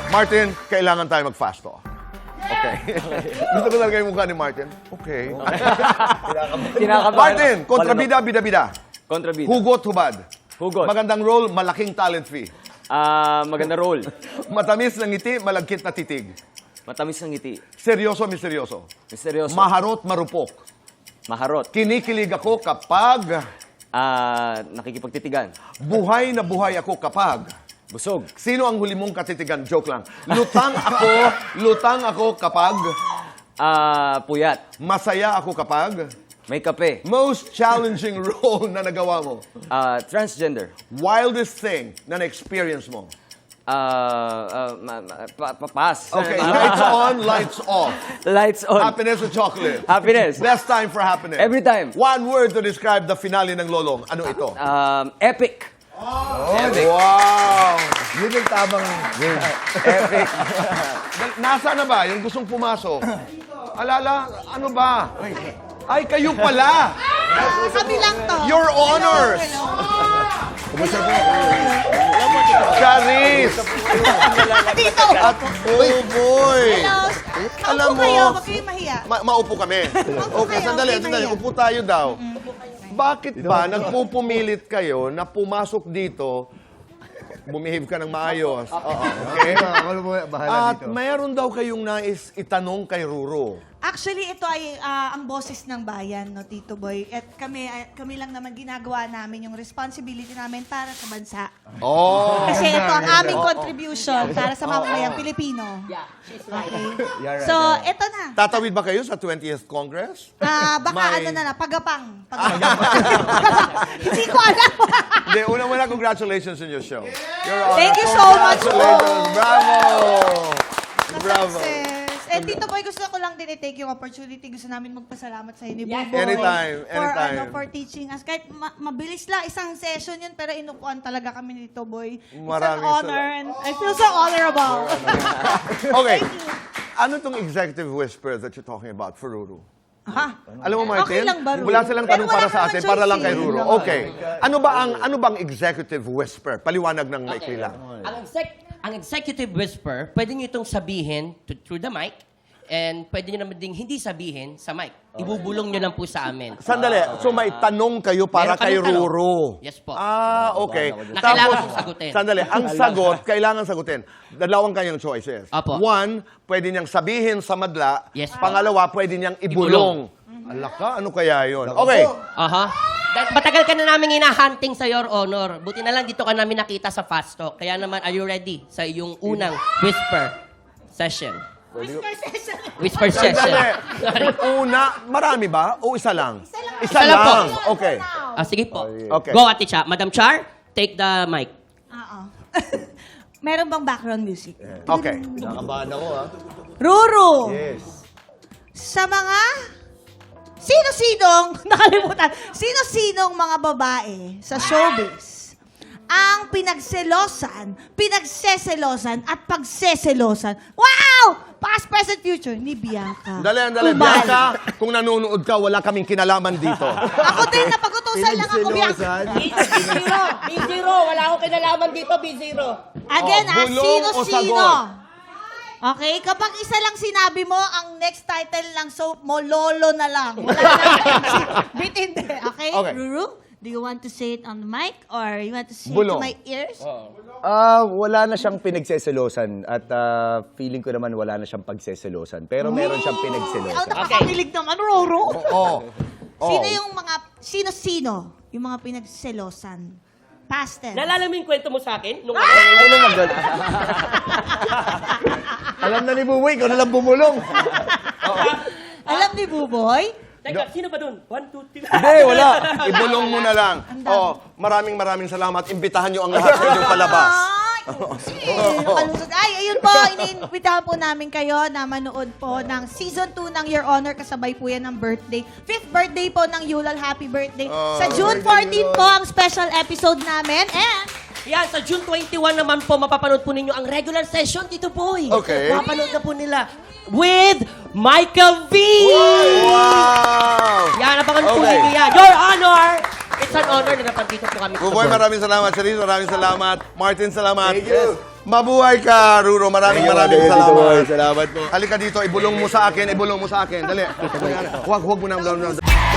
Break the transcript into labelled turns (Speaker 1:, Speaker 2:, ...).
Speaker 1: Martin, kailangan tayo mag-fast talk. Okay. Gusto ko talaga yung mukha ni Martin. Okay.
Speaker 2: Kinakabahan.
Speaker 1: Martin, kontrabida, bida-bida.
Speaker 2: Kontrabida.
Speaker 1: Hugot, hubad.
Speaker 2: Hugot.
Speaker 1: Magandang role, malaking talent fee.
Speaker 2: Maganda roll.
Speaker 1: Matamis na ngiti, malagkit na titig.
Speaker 2: Matamis ng ngiti.
Speaker 1: Seryoso, misteryoso.
Speaker 2: Misteryoso.
Speaker 1: Maharot, marupok.
Speaker 2: Maharot.
Speaker 1: Kinikilig ako kapag
Speaker 2: Nakikipagtitigan.
Speaker 1: buhay na buhay ako kapag.
Speaker 2: Busog.
Speaker 1: Sino ang huli mong katitigan? Joke lang. Lutang ako kapag.
Speaker 2: Puyat.
Speaker 1: Masaya ako kapag.
Speaker 2: May kape.
Speaker 1: Most challenging role na nagawa mo.
Speaker 2: Transgender.
Speaker 1: Wildest thing na na-experience mo.
Speaker 2: Pass.
Speaker 1: Okay, lights on, lights off.
Speaker 2: Lights on.
Speaker 1: Happiness or chocolate?
Speaker 2: Happiness.
Speaker 1: Best time for happiness.
Speaker 2: Every time.
Speaker 1: One word to describe the finale ng Lolong. Ano ito?
Speaker 2: Epic.
Speaker 1: Wow!
Speaker 3: Yun yung tamang word.
Speaker 2: Epic.
Speaker 1: Nasa na ba yung gustong pumasok? Alala, ano ba? Ay, kayo pala!
Speaker 4: Kami lang to.
Speaker 1: Your honors! Charis!
Speaker 4: Dito.
Speaker 1: At, oh boy! Alam
Speaker 4: Alam
Speaker 1: mo,
Speaker 4: kayo, wag kayong mahiya.
Speaker 1: maupo kami. Okay,
Speaker 4: kayo,
Speaker 1: sandali,
Speaker 4: okay,
Speaker 1: sandali.
Speaker 4: Maria.
Speaker 1: Upo tayo daw. Bakit ba nagpupumilit kayo na pumasok dito, bumihave ka ng maayos? Okay?
Speaker 3: Ako mo bahala
Speaker 1: At
Speaker 3: dito.
Speaker 1: mayroon daw kayong nais itanong kay Ruro.
Speaker 4: Actually, ito ay ang boses ng bayan, no, Tito Boy. At kami lang naman ginagawa namin yung responsibility namin para sa bansa.
Speaker 1: Oh!
Speaker 4: Kasi ito ang aming contribution para sa mamamayang Pilipino. Okay? So, ito na.
Speaker 1: Tatawid ba kayo sa 20th Congress?
Speaker 4: Baka
Speaker 1: May-
Speaker 4: ano na, pagapang. Hindi ko alam.
Speaker 1: Hindi, una-una, congratulations on your show. Your Honor,
Speaker 4: Thank you so much po.
Speaker 1: Congratulations! Bravo! Bravo!
Speaker 4: Success. And Tito Boy, gusto ko lang din i-take yung opportunity. Gusto namin magpasalamat sa inyo. Buboy,
Speaker 1: Anytime, anytime.
Speaker 4: For teaching us. Kahit mabilis lang, isang session yun, pero inupuan talaga kami ni Tito Boy. It's
Speaker 1: Maraming
Speaker 4: an honor and I feel so honorable.
Speaker 1: Okay. Ano tong executive whisper that you're talking about for Ruru?
Speaker 4: Ha?
Speaker 1: Alam mo, Martin,
Speaker 4: Okay lang ba, Ruru?
Speaker 1: wala silang tanong
Speaker 4: Pero
Speaker 1: para
Speaker 4: wala
Speaker 1: sa
Speaker 4: naman
Speaker 1: atin,
Speaker 4: choice
Speaker 1: para lang kay
Speaker 4: eh.
Speaker 1: Ruru. Okay. Ano bang executive whisper? Paliwanag ng maikli lang.
Speaker 5: Ang executive whisper, pwede nyo itong sabihin through the mic and pwede nyo naman ding hindi sabihin sa mic. Ibubulong nyo lang po sa amin.
Speaker 1: Sandali. So may tanong kayo para
Speaker 5: Meron
Speaker 1: kay
Speaker 5: kaming tanong.
Speaker 1: Ruru.
Speaker 5: Yes po.
Speaker 1: Okay.
Speaker 5: Na kailangan sagutin.
Speaker 1: Sandali. Ang sagot, kailangan sagutin. Dalawang kanyang choices.
Speaker 5: Apo.
Speaker 1: One, pwede niyang sabihin sa madla.
Speaker 5: Yes.
Speaker 1: Pangalawa, pwede niyang ibulong. Alaka, ano kaya yun? Okay.
Speaker 5: Aha. Matagal ka na namin hinahunting sa Your Honor. Buti na lang dito ka namin nakita sa Fast Talk. Kaya naman, are you ready sa iyong unang whisper session? Whisper session.
Speaker 1: Sandali. Una, marami ba? O isa lang? Isa
Speaker 5: lang po.
Speaker 1: Okay.
Speaker 5: Sige po.
Speaker 1: Okay.
Speaker 5: Go, Ate Cha. Madam Char, take the mic.
Speaker 4: Oo. Meron bang background music?
Speaker 1: Okay.
Speaker 3: Nakabahan ako, ha?
Speaker 4: Ruru!
Speaker 3: Yes.
Speaker 4: Sa mga sino-sinong, nakalimutan, sino-sinong mga babae sa showbiz ang pinagseselosan at pagseselosan. Wow! Past, present, future ni Bianca.
Speaker 1: Dali.
Speaker 4: Ubal.
Speaker 1: Bianca, kung nanonood ka, wala kaming kinalaman dito.
Speaker 4: Ako din, napagutusan lang ako, Bianca.
Speaker 3: Pinagsilosan.
Speaker 5: B0. Wala akong kinalaman dito, B0.
Speaker 4: Again,
Speaker 1: bulong o
Speaker 4: sino-sino.
Speaker 1: sagot?
Speaker 4: Okay, kapag isa lang sinabi mo, ang next title ng soap mo, Lolo na lang. Wala na bitindi. Okay?
Speaker 1: Okay.
Speaker 4: Ruru, do you want to say it on the mic or you want to say
Speaker 1: Bulong.
Speaker 4: it to my ears?
Speaker 6: Wala na siyang pinagseselosan at feeling ko naman wala na siyang pagseselosan. Pero meron siyang
Speaker 4: Oh,
Speaker 6: pinagselosan.
Speaker 4: nakakakilig naman, Ruru.
Speaker 1: Oo.
Speaker 4: Sino yung mga, sino-sino yung mga pinagselosan? Past tense.
Speaker 5: Naalala mo yung kwento mo sa akin? Nung
Speaker 3: Alam na ni Buboy, ikaw na lang bumulong.
Speaker 4: Alam ni Buboy?
Speaker 5: Teka, sino ba dun? 1, 2, 3.
Speaker 1: Hindi, wala. Ibulong mo na lang. Maraming salamat. Imbitahan nyo ang lahat sa inyong palabas.
Speaker 4: Nakalusot. Ay, ayun po, iniimbitahan po namin kayo na manood po ng Season 2 ng Your Honor. Kasabay po yan ng birthday. 5th birthday po ng Yulal. Happy birthday. Sa June 14 po ang special episode namin. And
Speaker 5: Yan, sa June 21 naman po, mapapanood po ninyo ang regular session dito po.
Speaker 1: Okay.
Speaker 5: Mapapanood na po nila with Michael V.
Speaker 1: Wow!
Speaker 5: Yan, napakanood po
Speaker 1: Okay.
Speaker 5: ninyo yan. Your Honor! It's an honor na napandito po kami.
Speaker 1: Buboy, maraming salamat. Charis, maraming salamat. Martin, salamat.
Speaker 3: Thank you.
Speaker 1: Mabuhay ka, Ruro. Maraming
Speaker 3: Thank you,
Speaker 1: maraming
Speaker 3: Tito
Speaker 1: salamat.
Speaker 3: Boy. Salamat po.
Speaker 1: Halika dito, ibulong mo sa akin. Dali. Huwag mo na.